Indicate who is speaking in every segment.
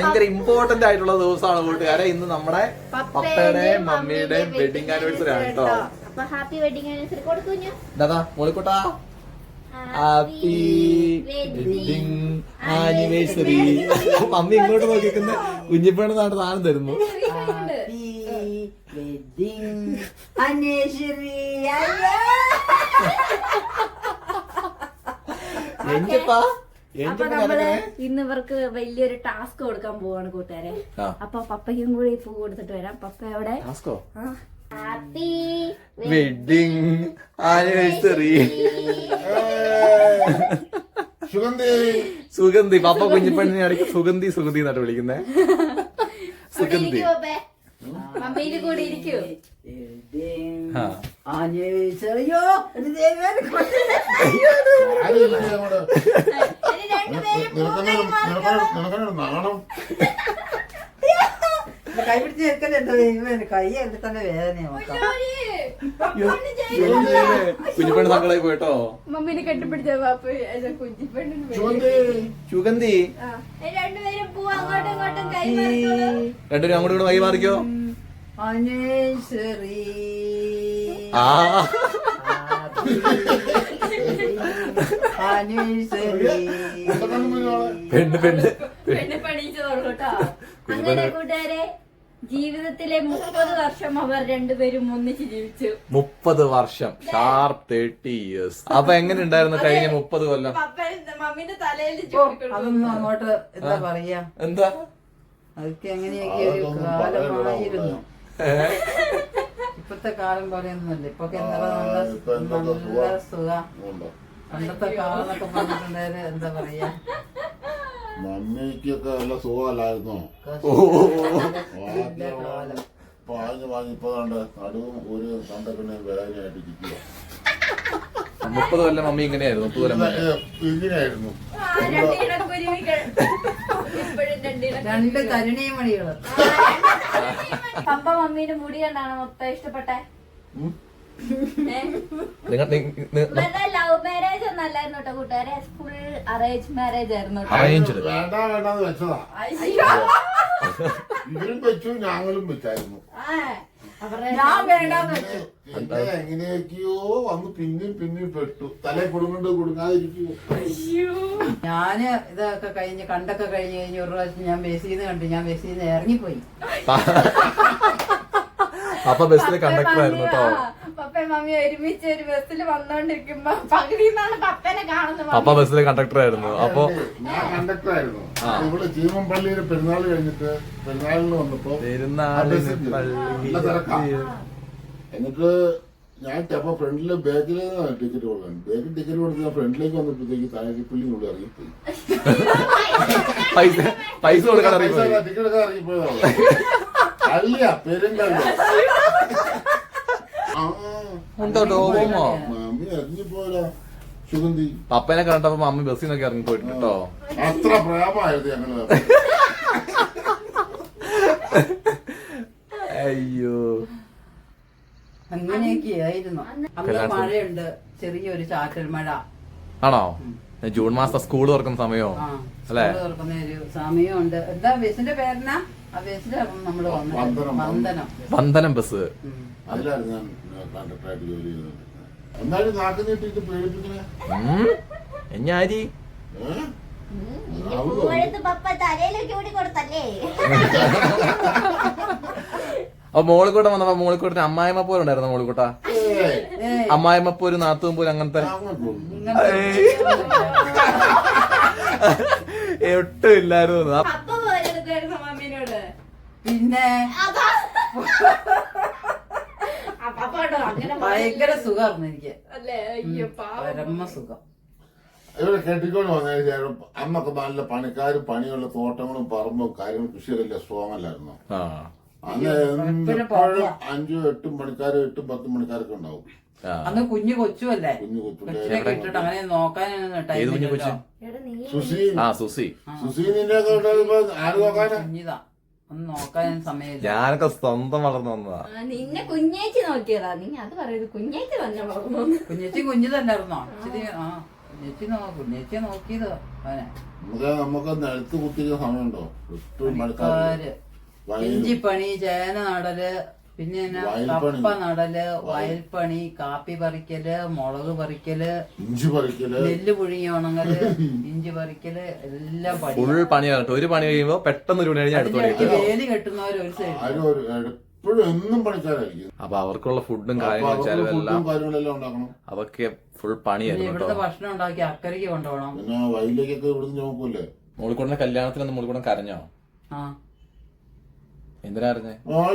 Speaker 1: ഭയങ്കര ഇമ്പോർട്ടന്റ് ആയിട്ടുള്ള ദിവസമാണ് കൂട്ടുകാരെ. ഇന്ന് നമ്മുടെ പപ്പയുടെയും മമ്മിയുടെയും വെഡിങ് ആനിവേഴ്സറി ആണ് കേട്ടോ.
Speaker 2: ഹാപ്പി വെഡിങ് ആനിവേഴ്സറി കൊടുക്കുഞ്ഞു
Speaker 1: ദാദാ മോളിക്കുട്ടാ, ഹാപ്പി വെഡിങ് ആനിവേഴ്സറി. മമ്മി ഇങ്ങോട്ട് നോക്കിക്കുന്ന കുഞ്ഞിപ്പേണ് നാട്ട് സാധനം തരുന്നു.
Speaker 2: ഇന്ന് ഇവർക്ക് വലിയൊരു ടാസ്ക് കൊടുക്കാൻ പോവാണ് കൂട്ടുകാരെ. അപ്പൊ പപ്പയ്ക്കും കൂടി പൂ കൊടുത്തിട്ട് വരാം. പപ്പ എവിടെ? Happy
Speaker 1: wedding anniversary. Sugandhi. Papa കുഞ്ഞിപ്പെണ്ണിനെ ഇടയ്ക്ക് സുഗന്ധി സുഗന്ധി എന്നാണ് വിളിക്കുന്നേ. സുഗന്ധി.
Speaker 2: മമ്മിയില് കൂടി ഇരിക്കൂ.
Speaker 3: കൈ പിടിച്ച് ചേർക്കല്ലേ എന്താ കൈ എന്റെ തന്നെ വേദനയാ.
Speaker 1: കുഞ്ഞിപ്പെണ്ണ് സങ്കടായി പോയിട്ടോ.
Speaker 2: മമ്മീനെ കെട്ടിപ്പിടിച്ച
Speaker 1: സുഗന്ധി.
Speaker 2: രണ്ടുപേരും പൂ അങ്ങോട്ടും ഇങ്ങോട്ടും കൈ
Speaker 1: രണ്ടുപേരും അങ്ങോട്ടും ഇങ്ങോട്ടും കൈമാറിക്കോ. പെണ്ണ് പെണ്ണ്
Speaker 2: പെണ്ണ് പണിയിച്ചതോളൂ കേട്ടോ. അങ്ങനെ കൂട്ടുകാരെ ജീവിതത്തിലെ 30 വർഷം അവർ രണ്ടുപേരും ഒന്നിച്ച് ജീവിച്ചു.
Speaker 1: 30 വർഷം, ഷാർപ്പ് 30 years. അപ്പൊ എങ്ങനെ ഉണ്ടായിരുന്നു കഴിഞ്ഞ 30 കൊല്ലം?
Speaker 2: മമ്മീന്റെ തലയിൽ
Speaker 3: അതൊന്നും അങ്ങോട്ട് എന്താ പറയാ,
Speaker 1: എന്താ
Speaker 3: അതൊക്കെ എങ്ങനെയൊക്കെ ഒരു കാലമായിരുന്നു. ഇപ്പത്തെ കാലം പോലെയൊന്നുമല്ല. ഇപ്പൊ നല്ല സുഖം. പണ്ടത്തെ കാലം എന്നൊക്കെ പറഞ്ഞിട്ടുണ്ടായത് എന്താ പറയാ,
Speaker 4: മമ്മിക്കൊക്കെ നല്ല സുഖമല്ലായിരുന്നോ? പാഞ്ഞ് ഇപ്പൊ നടുവും ഒരു കണ്ടപ്പിന്നെ വേദനയായിട്ട് ഇരിക്കുക.
Speaker 1: 30 കൊല്ലം മമ്മി ഇങ്ങനെയായിരുന്നു. 30 കൊല്ലം
Speaker 4: ഇങ്ങനെയായിരുന്നു.
Speaker 3: രണ്ട് കരുണീമണികള്.
Speaker 2: പപ്പ മമ്മീന്റെ മുടി കണ്ടാണ് മൊത്തം ഇഷ്ടപ്പെട്ടെ. ലവ് മാരേജ് ഒന്നും അല്ലായിരുന്നു കേട്ടോ കൂട്ടുകാരെ. ഫുൾ അറേഞ്ച് മാരേജ് ആയിരുന്നു.
Speaker 4: വേണ്ടാന്ന് വെച്ചതാ. ഇവരും വെച്ചു, ഞങ്ങളും വെച്ചായിരുന്നു. എങ്ങനെയൊക്കെയോ വന്ന് പിന്നെയും പെട്ടു. തലേ കൊടുങ്ങാതിരിക്കുവോ.
Speaker 3: ഞാന് ഇതൊക്കെ കഴിഞ്ഞ് കണ്ടൊക്കെ കഴിഞ്ഞ് ഒരു പ്രാവശ്യം ഞാൻ ബസ്സിന്ന് കണ്ടു. ഞാൻ ബസ്സിന്ന് ഇറങ്ങിപ്പോയി.
Speaker 1: അപ്പൊ ബസ്സിലെ കണ്ടക്ടർ ആയിരുന്നു കേട്ടോ.
Speaker 2: പപ്പയും മമ്മി ഒരുമിച്ച് ഒരു ബസ്സിൽ വന്നോണ്ടിരിക്കുമ്പോ പകുതിന്നാണ് പപ്പനെ കാണുന്നത്.
Speaker 1: പപ്പ ബസ്സിലെ കണ്ടക്ടർ ആയിരുന്നു. അപ്പൊ
Speaker 4: ഞാൻ കണ്ടക്ടർ ആയിരുന്നു. ഇവിടെ ചീമമ്പള്ളിയിലെ പെരുന്നാൾ കഴിഞ്ഞിട്ട് പെരുന്നാളിന് വന്നപ്പോ എന്നിട്ട് ഞാൻ അപ്പൊ ഫ്രണ്ടിലെ ബാക്കില് ടിക്കറ്റ് കൊടുക്കാൻ ബാക്കിൽ ടിക്കറ്റ് കൊടുത്ത് ഞാൻ ഫ്രണ്ടിലേക്ക് വന്നപ്പോഴത്തേക്ക് താഴെപ്പള്ളിനുള്ളിൽ ഇറങ്ങിപ്പോയി.
Speaker 1: പൈസ കൊടുക്കാൻ
Speaker 4: ടിക്കറ്റ് എടുക്കാൻ ഇറങ്ങിപ്പോയതാണ്. അല്ല പെരുന്തല്ല മമ്മി ഇറങ്ങിപ്പോയല്ലോ. സുഗന്ധി
Speaker 1: പപ്പനെ കണ്ടപ്പോ മമ്മി ബസ്സിൽ നിന്നൊക്കെ ഇറങ്ങി പോയിട്ടുണ്ട് കേട്ടോ.
Speaker 4: അത്ര പ്രേമായിരുന്നു ഞങ്ങള്.
Speaker 1: അയ്യോ
Speaker 3: അങ്ങനെയൊക്കെയായിരുന്നു. അന്ന് മഴയുണ്ട്, ചെറിയൊരു ചാറ്റൽ മഴ.
Speaker 1: ആണോ? ജൂൺ മാസം സ്കൂൾ തുറക്കുന്ന സമയോ അല്ലെ?
Speaker 3: തുറക്കുന്ന ഒരു സമയമുണ്ട്. എന്താ ബസ്സിന്റെ പേരെന്നാ? ആ ബസ്സിൽ നമ്മള്
Speaker 1: വന്ദനം ബസ്.
Speaker 4: അതിലായിരുന്നു ഞാൻ കണ്ടക്ടറായിട്ട് ജോലി ചെയ്തത്. എന്നാലും നാട്ടിൽ നീട്ടിട്ട് പേടിപ്പിക്കണേ.
Speaker 1: ഞാരി
Speaker 2: പപ്പ തലയിലേക്ക് കൂടി കൊടുത്തല്ലേ.
Speaker 1: അപ്പൊ മോളിക്കൂട്ട വന്നപ്പോ മോളിക്കൂട്ടിന് അമ്മായിമ്മ പോലെ ഉണ്ടായിരുന്നു. മോളിക്കൂട്ട അമ്മായിമ്മ പോലും നാത്തും പോലും അങ്ങനത്തെ ഒട്ടും ഇല്ലായിരുന്നു.
Speaker 3: പിന്നെ ഭയങ്കര സുഖമായിരുന്നു എനിക്ക്. പരമ സുഖം.
Speaker 4: ഇവിടെ കെട്ടിക്കൊണ്ട് വന്നതിന് ശേഷം അന്നൊക്കെ നല്ല പണിക്കാരും പണിയുള്ള തോട്ടങ്ങളും പറമ്പും കാര്യങ്ങളും കൃഷിയൊക്കെ സ്ട്രോങ് അല്ലായിരുന്നു. അന്ന് എപ്പോഴും 5 8 പണിക്കാരും 8 10 പണിക്കാരൊക്കെ ഉണ്ടാവും.
Speaker 3: അന്ന് കുഞ്ഞു കൊച്ചുമല്ലേ, ഇട്ടിട്ട് അങ്ങനെ നോക്കാനൊന്നും
Speaker 4: സുസീനിന്റെ ആര് നോക്കാനാ?
Speaker 3: കുഞ്ഞിതാ, ഒന്ന് നോക്കാൻ സമയമില്ല.
Speaker 1: ഞാനൊക്കെ സ്വന്തം വളർന്നു വന്നതാ.
Speaker 2: നിന്നെ കുഞ്ഞേച്ചി നോക്കിയതാ. നീ അത് പറയുന്നത് കുഞ്ഞേച്ചി തന്നെ വളർന്നു.
Speaker 3: കുഞ്ഞേച്ചി കുഞ്ഞു തന്നെയായിരുന്നോ? ശരി. നെച്ചി നോക്കിയതോ അവനെ
Speaker 4: നമുക്ക് നിലത്ത് കുത്തിക്കുന്ന സമയമുണ്ടോ? എപ്പോഴും
Speaker 3: പണിക്കാര് ഇഞ്ചിപ്പണി, ചേന നടല്, പിന്നെ കപ്പ നടല്, വയൽപ്പണി, കാപ്പി പറിക്കല്, മുളക് പറിക്കല്,
Speaker 4: ഇഞ്ചി പറിക്കല്,
Speaker 3: നെല്ല് പുഴുങ്ങി ഉണങ്ങല്, ഇഞ്ചി പറിക്കല്, എല്ലാം
Speaker 1: ഫുൾ പണിയാണ്. ഒരു പണി കഴിയുമ്പോ പെട്ടെന്ന് ഒരു പണി കഴിഞ്ഞാൽ അടുത്ത പണി.
Speaker 3: വേലി കെട്ടുന്നവര് ഒരു സൈഡ്,
Speaker 4: എപ്പോഴും എന്നും പണിക്കാരായിരിക്കും.
Speaker 1: അപ്പൊ അവർക്കുള്ള ഫുഡും കാര്യങ്ങളും ചെലവെല്ലാം
Speaker 4: കാര്യങ്ങളെല്ലാം ഉണ്ടാക്കണം.
Speaker 1: അതൊക്കെ ഫുൾ പണിയായിരുന്നു കേട്ടോ.
Speaker 3: ഇവിടുത്തെ ഭക്ഷണം ഉണ്ടാക്കി അക്കരയ്ക്ക് കൊണ്ടുപോകണം.
Speaker 4: പിന്നെ വയലിലേക്കൊക്കെ ഇവിടുന്ന് നോക്കൂലേ.
Speaker 1: മോളിക്കൂടിന്റെ കല്യാണത്തിനൊന്നും മോളിക്കൂടൻ കരഞ്ഞോ?
Speaker 3: ആ
Speaker 1: എന്തിനാ അറിഞ്ഞേ?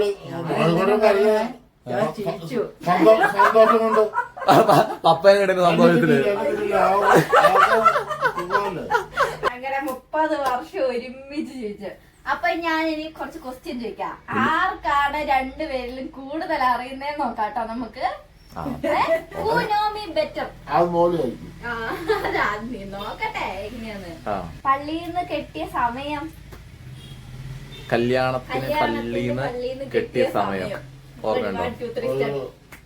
Speaker 3: ചിരിച്ചു.
Speaker 4: സന്തോഷം കൊണ്ട്
Speaker 1: പപ്പേനെ കിട്ടുന്ന സന്തോഷത്തില്
Speaker 2: അങ്ങനെ 30 വർഷം ഒരുമിച്ച് ജീവിച്ചു. അപ്പൊ ഞാൻ ഇനി കുറച്ച് ക്വസ്റ്റ്യൻ ചോദിക്കാം. ആർക്കാണ് രണ്ടുപേരിലും കൂടുതൽ അറിയുന്നതെന്ന് നോക്കാട്ടോ നമുക്ക്. Who know me better?
Speaker 4: അത് മോളിയായിരിക്കും.
Speaker 2: നീ നോക്കട്ടെ എങ്ങനെയാന്ന്. പള്ളിയിൽ നിന്ന് കെട്ടിയ സമയം,
Speaker 1: കല്യാണത്തിന് പള്ളിന്ന് കെട്ടിയ സമയം ഓർമ്മയുണ്ടോ?
Speaker 2: 1, 2, 3 start.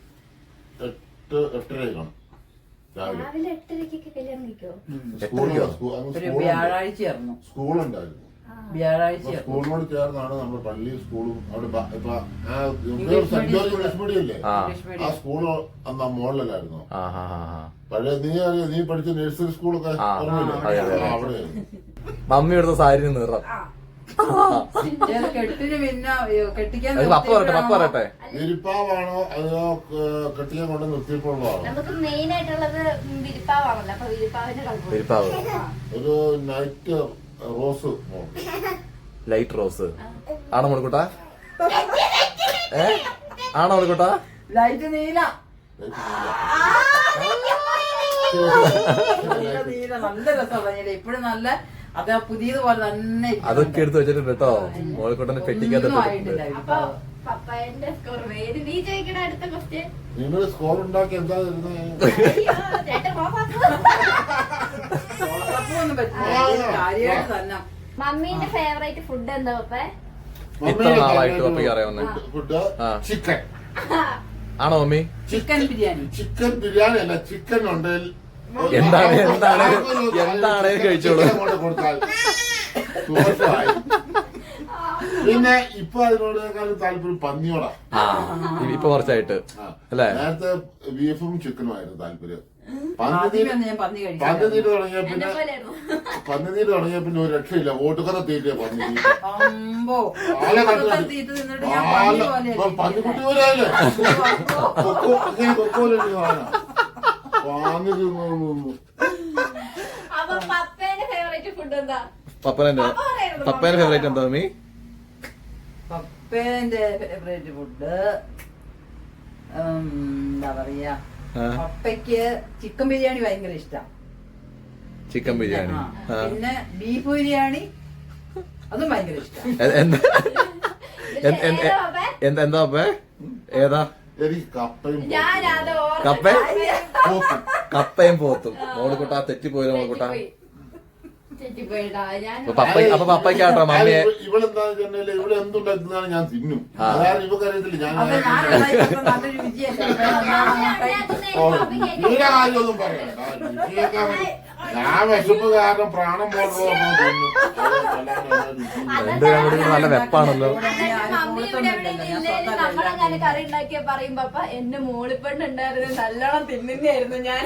Speaker 4: 8:30 കാണും രാവിലെ.
Speaker 2: രാവിലെ 8:30 കല്യാണം കഴിക്കോ?
Speaker 3: ഒരു വ്യാഴാഴ്ചയായിരുന്നു
Speaker 4: സ്കൂളുണ്ടായിരുന്നു.
Speaker 3: വ്യാഴാഴ്ച
Speaker 4: സ്കൂളിനോട് ചേർന്നാണ് നമ്മുടെ പള്ളി സ്കൂളും അവിടെ സെന്റ് ജോർജ് ഇംഗ്ലീഷ് മീഡിയം ഇല്ലേ, ആ സ്കൂള് അന്ന് മുകളിലായിരുന്നു. പഴയ നീ പഠിച്ച നഴ്സറി സ്കൂളൊക്കെ അവിടെ.
Speaker 1: മമ്മി എടുത്ത സാരി നിറം
Speaker 3: കെട്ടിന് പിന്നെ കെട്ടിക്കാൻ
Speaker 1: പപ്പ പറയട്ടെ.
Speaker 4: വിരിപ്പാവാണോ അതോ കെട്ടിക്കാൻ കൊണ്ട് നിർത്തിയപ്പോഴാണോ?
Speaker 2: നമുക്ക് മെയിൻ ആയിട്ടുള്ളത് വിരിപ്പാവാണല്ലോ. അപ്പൊ
Speaker 1: വിരിപ്പാവ്
Speaker 4: ഒരു നൈറ്റ് റോസ്,
Speaker 1: ലൈറ്റ് റോസ് ആണോ മോളിക്കൂട്ടാ? ആണോ മോളിക്കൂട്ടാ?
Speaker 3: ലൈറ്റ് നീല, നീല നല്ല രസമാണ്. ഇപ്പഴും നല്ല അത് പുതിയതുപോലെ തന്നെ
Speaker 1: അതൊക്കെ എടുത്ത് വെച്ചിട്ടുണ്ട് കേട്ടോ. മോളിക്കൂട്ടനെ പെട്ടിക്കകത്ത്.
Speaker 2: അപ്പൊ പപ്പായന്റെ സ്കോർ വേര്. നീ ചോദിക്കണ അടുത്ത ക്വസ്റ്റ്യൻ.
Speaker 4: നിങ്ങൾ സ്കോർ ഉണ്ടാക്കി എന്താ തരുന്നത്?
Speaker 3: കാര്യമായിട്ട് തന്നെ.
Speaker 2: മമ്മീന്റെ ഫേവറേറ്റ് ഫുഡ് എന്താ പപ്പേ?
Speaker 1: ഇത്ര നാളായിട്ട് പപ്പയ്ക്ക് അറിയാവുന്ന
Speaker 4: ഫുഡ് ചിക്കൻ
Speaker 1: ആണോ mummy?
Speaker 3: Chicken biryani.
Speaker 4: Chicken biryani അല്ല, ചിക്കൻ ഉണ്ട്.
Speaker 1: എന്താണ് കഴിച്ചോളൂ.
Speaker 4: കൊടുത്താൽ പിന്നെ ഇപ്പൊ അതിനോടേക്കാളും താല്പര്യം പന്നിയോടാ.
Speaker 1: ഇപ്പൊ കുറച്ചായിട്ട് അല്ലേ?
Speaker 4: നേരത്തെ ബീഫും ചിക്കനുമായിരുന്നു താല്പര്യം.
Speaker 3: പന്നി
Speaker 4: തുടങ്ങിയ പിന്നെ ഒരു രക്ഷയില്ല. ഓട്ടുകഥ തീറ്റ പന്നി പന്നിക്കുട്ടി പോലെയല്ലേ കൊക്കോലെ പാന്നി തിന്നു.
Speaker 2: അപ്പൊ പപ്പേന്റെ ഫേവറേറ്റ് ഫുഡ് എന്താ?
Speaker 1: പപ്പേന്റെ ഫേവറേറ്റ് എന്താ മമ്മി?
Speaker 3: പപ്പേന്റെ ഫേവറേറ്റ് ഫുഡ് എന്താ പറയാ, പപ്പയ്ക്ക് ചിക്കൻ ബിരിയാണി ഭയങ്കര ഇഷ്ടം.
Speaker 1: ചിക്കൻ ബിരിയാണി.
Speaker 3: പിന്നെ ബീഫ് ബിരിയാണി അതും ഭയങ്കര ഇഷ്ടം.
Speaker 1: എന്താ പപ്പേ? ഏതാ?
Speaker 4: എനിക്ക് കപ്പയും
Speaker 1: കപ്പയും പോത്തും. മോളിക്കുട്ടാ തെറ്റിപ്പോയില്ല മോളിക്കുട്ടാ. അപ്പൊ പപ്പയ്ക്കാട്ടോ മമ്മിയെ.
Speaker 4: ഇവളെന്താ ഇവിടെ എന്തുണ്ടാക്കുന്നതാണ് ഞാൻ തിന്നും. അതായത് ഇവക്കറിയത്തില്ല ഞാൻ കാര്യമൊന്നും പറയണ്ട. ഞാൻ വിശപ്പ് കാരണം പ്രാണം പോലെ
Speaker 1: നല്ല വെപ്പാണല്ലോ.
Speaker 2: നമ്മളങ്ങനെ കറി ഉണ്ടാക്കിയ പറയും പപ്പ എന്റെ മോളിപ്പെണ്ണുണ്ടായിരുന്നു നല്ലോണം തിന്നുന്നായിരുന്നു ഞാൻ.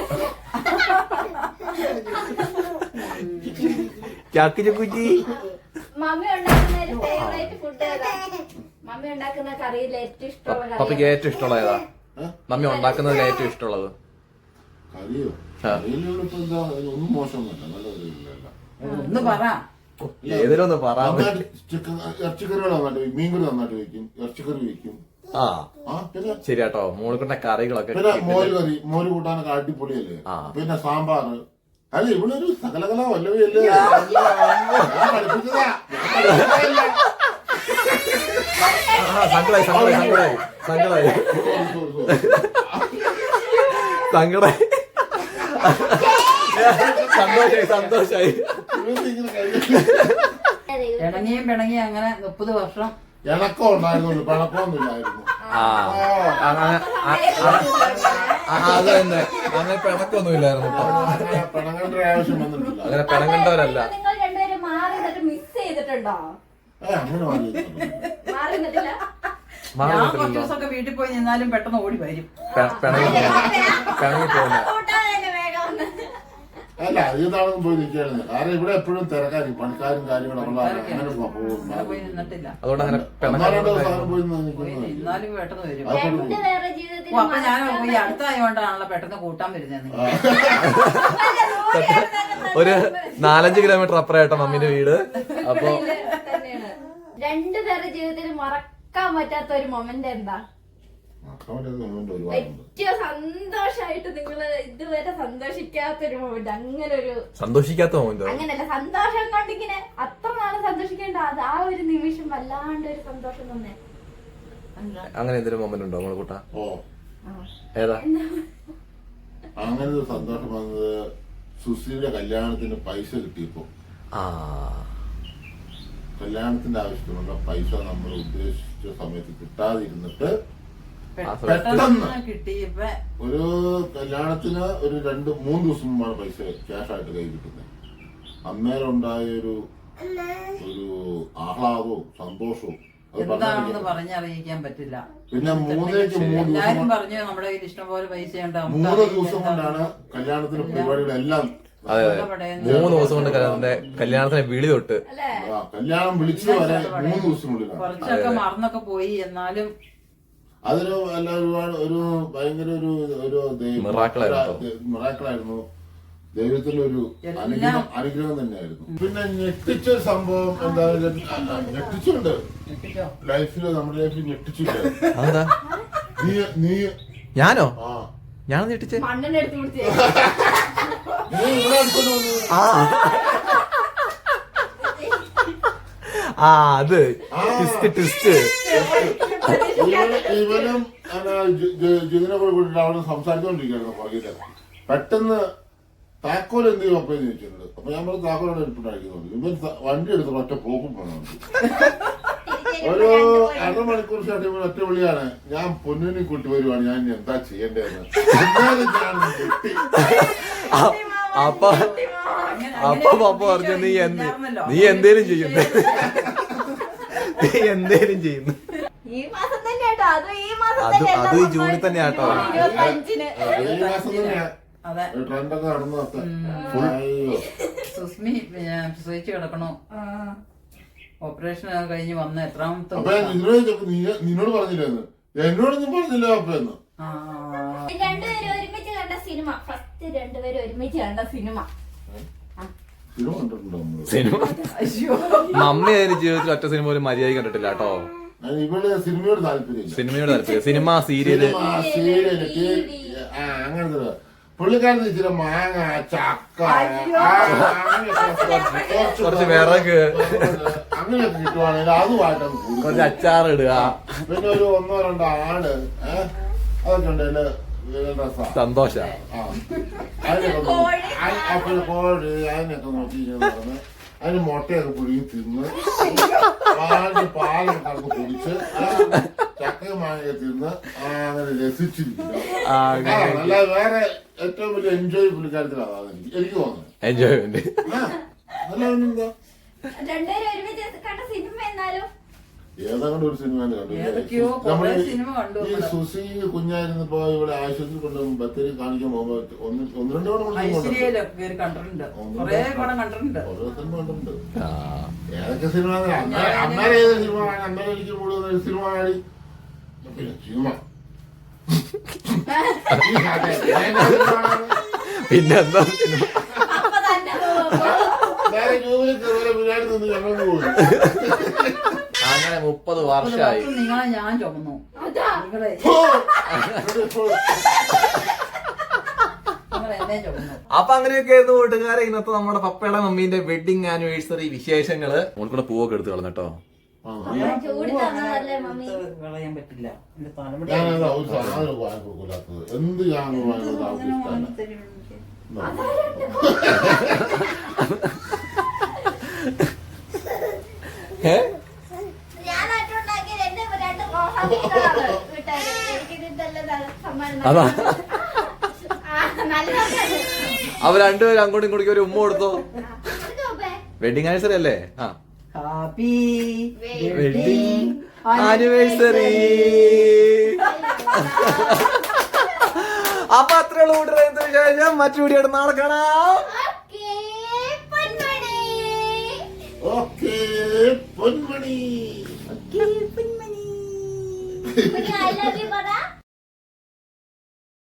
Speaker 2: മമ്മി ഉണ്ടാക്കുന്ന ഫേവറേറ്റ് ഫുഡ് ഏതാ? മമ്മി ഉണ്ടാക്കുന്ന കറിയിൽ ഏറ്റവും ഇഷ്ടമുള്ള
Speaker 1: പപ്പയ്ക്ക് ഏറ്റവും ഇഷ്ടമുള്ള ഏതാ? മമ്മി ഉണ്ടാക്കുന്നതിൽ ഏറ്റവും ഇഷ്ടമുള്ളത്?
Speaker 4: കറിയോ? ഒന്നും മോശമൊന്നുമല്ല, നല്ല കറിയില്ല.
Speaker 3: ഒന്ന് പറ.
Speaker 1: ഏതിലൊന്ന് പറ.
Speaker 4: ഇറച്ചിക്കറികൾ നന്നായിട്ട്, മീൻകറി നന്നായിട്ട് വയ്ക്കും, ഇറച്ചിക്കറി വയ്ക്കും.
Speaker 1: ശരിയാട്ടോ. മോളിക്കുട്ട കറികളൊക്കെ
Speaker 4: പിന്നെ മോര് കറി, മോര് കൂട്ടാനൊക്കെ അടിപൊളിയല്ലേ. പിന്നെ സാമ്പാർ. അല്ല ഇവിടെ ഒരു സകലകല വല്ലവയല്ലേ പഠിപ്പിച്ചതാ.
Speaker 1: സങ്കടായി സന്തോഷായി.
Speaker 3: പിണങ്ങിയും അങ്ങനെ 30 വർഷം
Speaker 4: ഇണക്കം ഉണ്ടായിരുന്നുള്ളൂ, പിണക്കമൊന്നും ഇല്ലായിരുന്നു.
Speaker 1: അത് തന്നെ അങ്ങനെ പിണക്കൊന്നുമില്ലായിരുന്നു കേട്ടോ.
Speaker 4: പിണങ്ങേണ്ട ആവശ്യം വന്നിട്ടില്ല.
Speaker 1: അങ്ങനെ പിണങ്ങേണ്ടവരല്ല.
Speaker 2: നിങ്ങൾ രണ്ടുപേരും മാറി നിന്നിട്ട് മിസ് ചെയ്തിട്ടുണ്ടോ?
Speaker 4: അങ്ങനെ മാറി
Speaker 2: മാറി നിന്നിട്ടില്ല.
Speaker 3: ഞാൻ കുറച്ച് ദിവസമൊക്കെ വീട്ടിൽ പോയി നിന്നാലും പെട്ടെന്ന് ഓടി വരും.
Speaker 1: പിണങ്ങി പോകുന്ന
Speaker 2: കൂട്ടാതെ വേഗം വന്ന്.
Speaker 4: അല്ല അധികത്താളും പോയി നിൽക്കുകയായിരുന്നു. കാരണം ഇവിടെ എപ്പോഴും തിരക്കാരി പണിക്കാരും കാര്യങ്ങളും അങ്ങനെ പോകും.
Speaker 3: പോയി നിന്നിട്ടില്ല.
Speaker 1: അതുകൊണ്ട് അങ്ങനെ
Speaker 4: ഒന്നാം സാധനം പോയി
Speaker 3: പോയി നിന്നാലും പെട്ടെന്ന് വരും.
Speaker 2: രണ്ടുപേരുടെ ജീവിതത്തിൽ
Speaker 3: ഓ, അപ്പൊ ഞാൻ ഈ അടുത്തായോണ്ടാണല്ലോ പെട്ടെന്ന് കൂട്ടാൻ വരുന്നത്.
Speaker 1: ഒരു 4-5 കിലോമീറ്റർ അപ്പുറമായിട്ടോ മമ്മീന്റെ വീട്. അപ്പൊ
Speaker 2: രണ്ടുപേരുടെ ജീവിതത്തിൽ മറക്കാൻ പറ്റാത്ത ഒരു മൊമെന്റ് എന്താ? ഏറ്റവും സന്തോഷായിട്ട് നിങ്ങള് ഇതുവരെ സന്തോഷിക്കാത്തൊരു മൊമെന്റ്, അങ്ങനെ ഒരു
Speaker 1: സന്തോഷിക്കാത്ത മൊമെന്റ്
Speaker 2: അങ്ങനല്ല, സന്തോഷം കൊണ്ടിങ്ങനെ അത്ര നാളെ സന്തോഷിക്കേണ്ട അത് ആ ഒരു നിമിഷം വല്ലാണ്ട് ഒരു സന്തോഷം തന്നെ.
Speaker 1: അങ്ങനെ എന്തെങ്കിലും മൊമെന്റ് ഉണ്ടോ മോളെ കൂട്ടാ?
Speaker 4: ഓ
Speaker 1: ഏതാ?
Speaker 4: അങ്ങനെ ഒരു സന്തോഷം വന്നത് സുശ്രീയുടെ കല്യാണത്തിന് പൈസ കിട്ടിയപ്പോ. കല്യാണത്തിന്റെ ആവശ്യത്തിനുള്ള പൈസ നമ്മൾ ഉദ്ദേശിച്ച സമയത്ത് കിട്ടാതിരുന്നിട്ട് പെട്ടെന്ന്
Speaker 3: കിട്ടിയപ്പോ
Speaker 4: ഒരു കല്യാണത്തിന് ഒരു 2-3 ദിവസം മുമ്പാണ് പൈസ ക്യാഷ് ആയിട്ട് കൈ കിട്ടുന്നത്. അന്നേരം ഉണ്ടായ ഒരു ആഹ്ലാദവും സന്തോഷവും
Speaker 3: എന്താണെന്ന് പറഞ്ഞറിയിക്കാൻ പറ്റില്ല.
Speaker 4: പിന്നെ 3
Speaker 3: എല്ലാരും പറഞ്ഞു നമ്മുടെ കയ്യിൽ ഇഷ്ടം പോലെ പൈസ ഉണ്ട്.
Speaker 4: 3 ദിവസം കൊണ്ടാണ് കല്യാണത്തിന് പരിപാടികളെല്ലാം.
Speaker 1: 3 ദിവസം കൊണ്ട് കല്യാണത്തിന് വിളി തൊട്ട്
Speaker 4: കല്യാണം വിളിച്ചു വരെ 3 ദിവസത്തിനുള്ളിലാണ്.
Speaker 3: കുറച്ചൊക്കെ മറന്നൊക്കെ പോയി. എന്നാലും
Speaker 4: അതൊരു ഒരുപാട് ഒരു ഭയങ്കര ഒരു മിറാക്കിളായിരുന്നു. ദൈവത്തിന്റെ ഒരു അനുഗ്രഹം തന്നെയായിരുന്നു. പിന്നെ ഞെട്ടിച്ച സംഭവം എന്തായാലും ഞെട്ടിച്ചുണ്ട് ലൈഫില്, നമ്മുടെ ലൈഫിൽ ഞെട്ടിച്ചില്ല. നീ
Speaker 1: ഞാനോ?
Speaker 4: ആ
Speaker 1: ഞാൻ ഞെട്ടിച്ചേ
Speaker 2: മണ്ണിനെ എടുത്ത് പിടിച്ചേ.
Speaker 4: നീ ഇവിടെ അടുത്തോണ്ട് വന്നു.
Speaker 1: അത് ട്വിസ്റ്റ്
Speaker 4: ഇവനും ജിതിനെ കൂടെ കൂട്ടിട്ട് അവിടെ സംസാരിച്ചോണ്ടിരിക്കുകയായിരുന്നു പുറകില്. പെട്ടെന്ന് താക്കോൽ എന്ത് ചെയ്യും അപ്പയെന്ന് ചോദിച്ചിട്ടുണ്ട്. അപ്പൊ ഞാൻ പറഞ്ഞു താക്കോലോടെ എടുപ്പിട്ടായിരിക്കുന്നുണ്ട്. ഇവൻ വണ്ടി എടുത്ത് ഒറ്റ പോക്കും പോകണം. ഒരു 1/2 മണിക്കൂർ ശേഷം ഇവൻ ഒറ്റ വിളിയാണ്, ഞാൻ പൊന്നിനെ കൂട്ടി വരുവാണ്, ഞാൻ എന്താ ചെയ്യേണ്ടതെന്ന്.
Speaker 1: അപ്പൊ പപ്പ പറഞ്ഞു നീ എന്തേലും ചെയ്യുന്നു. നീ എന്തേലും ചെയ്യുന്നു.
Speaker 2: ഈ മാസം തന്നെ കേട്ടോ,
Speaker 1: അത് ഈ ജൂണിൽ തന്നെ കേട്ടോ.
Speaker 2: 25-ന്
Speaker 4: ഈ മാസം തന്നെയാ ട്രെൻഡൊക്കെ നടന്നതൊക്കെ.
Speaker 3: സുസ്മി പ്രസവിച്ച് കിടക്കണോ, ഓപ്പറേഷൻ കഴിഞ്ഞ് വന്ന എത്രാമത്തെ.
Speaker 4: അപ്പൊ നിന്നോട് പറഞ്ഞില്ലെന്ന്, എന്നോടൊന്നും പറഞ്ഞില്ല അപ്പയെന്ന്.
Speaker 2: രണ്ടുപേരും ഒരുമിച്ച് കണ്ട സിനിമ, ഫസ്റ്റ് രണ്ടുപേരും ഒരുമിച്ച് കണ്ട സിനിമ.
Speaker 4: സിനിമ കണ്ടിട്ടുണ്ടോ നമ്മള്?
Speaker 1: സിനിമ മമ്മി അതിന് ജീവിതത്തിൽ ഒറ്റ സിനിമ ഒരു മര്യാദ കണ്ടിട്ടില്ല കേട്ടോ.
Speaker 4: ഇവിടെ സിനിമയോട് താല്പര്യം,
Speaker 1: സിനിമ സീരിയല്
Speaker 4: അങ്ങനത്തെ. പുള്ളിക്കാരത്ത് ഇച്ചിരി മാങ്ങ, ചക്ക,
Speaker 1: കുറച്ച് വിറക്
Speaker 4: അങ്ങനെയൊക്കെ കിട്ടുവാണെങ്കിൽ അതുമായിട്ടാണ്
Speaker 1: കുറച്ച് അച്ചാറിടുക,
Speaker 4: പിന്നെ ഒരു 1-2 ആട് അതൊക്കെ ഉണ്ടല്ലേ
Speaker 1: സന്തോഷ.
Speaker 4: അതിനൊക്കെ കോഴി അതിനൊക്കെ നോക്കി നടന്ന് അതിന് മുട്ടയൊക്കെ പുഴുങ്ങി തിന്ന് പാലൊക്കെ കറക്ക് പൊടിച്ച് ചക്കയും മാങ്ങയൊക്കെ തിന്ന് അങ്ങനെ രസിച്ചിരിക്കുന്നു. അല്ലാതെ വേറെ ഏറ്റവും വലിയ എൻജോയ് പുള്ളിക്കാരത്തിൽ അതാണ് എനിക്ക് തോന്നുന്നത്.
Speaker 1: എൻജോയ്മെന്റ്
Speaker 4: അല്ല
Speaker 2: രണ്ടുപേരും ഒരുമിച്ച് കണ്ട സിനിമ എന്നാലും
Speaker 4: ഏതാണ്ട് ഒരു സിനിമ നമ്മള് ഈ സുസി കുഞ്ഞായിരുന്നപ്പോ ഇവിടെ ആശുപത്രി കൊണ്ട് ബത്തേരി കാണിക്കാൻ പോകുമ്പോ 1-2
Speaker 3: കണ്ടിട്ടുണ്ട്. കൊറേ പടം കണ്ടിട്ടുണ്ട്.
Speaker 4: ഓരോ സിനിമ കണ്ടിട്ടുണ്ട്. ഏതൊക്കെ സിനിമ അന്നേരം ഏത് സിനിമ കാണാൻ അന്നേരം എനിക്ക് കൂടുതൽ സിനിമ കാണി പിന്നെ സിനിമ
Speaker 1: പിന്നെന്താ
Speaker 2: അപ്പൊ തന്നെ
Speaker 4: നേരെ ജൂബിലി കയറി ബിരിയാണി നിന്ന് ഞങ്ങൾക്ക് പോയി.
Speaker 1: അങ്ങനെ 30 വർഷമായി.
Speaker 3: നിങ്ങളെ ഞാൻ ചുമന്നു. നിങ്ങളെ എന്നെ ചുമന്നു.
Speaker 1: അപ്പൊ അങ്ങനെയൊക്കെ ആയിരുന്നു കൂട്ടുകാരെ ഇന്നത്തെ നമ്മുടെ പപ്പയുടെ മമ്മീന്റെ വെഡിങ് ആനിവേഴ്സറി വിശേഷങ്ങള്. മോൾക്കൂടെ പൂവൊക്കെ എടുത്ത് കളഞ്ഞോ.
Speaker 2: ചൂട് തന്നതല്ലേ മമ്മി.
Speaker 3: കളയാൻ പറ്റില്ല.
Speaker 4: ഞാനതാ ഒരു സാധനം വാങ്ങി കൊടുക്കൂലാത്തത്. എന്ത് ഞാൻ
Speaker 1: അതാ
Speaker 2: നല്ലതാണ്.
Speaker 1: അവർ രണ്ടുപേരും അങ്ങോട്ടും ഇങ്ങോട്ടും ഒരു ഉമ്മ കൊടുത്തോ. വെഡിങ് ആനിവേഴ്സറി അല്ലേ? ആ
Speaker 3: ഹാപ്പി
Speaker 1: വെഡിങ് ആനിവേഴ്സറി. അപ്പൊ അത്രയുള്ള കൂട്ടുകാരെ ശേഷം മറ്റു വീഡിയോ നാളെ കാണാം.
Speaker 4: Okay Ponmani.
Speaker 2: I love you, brother.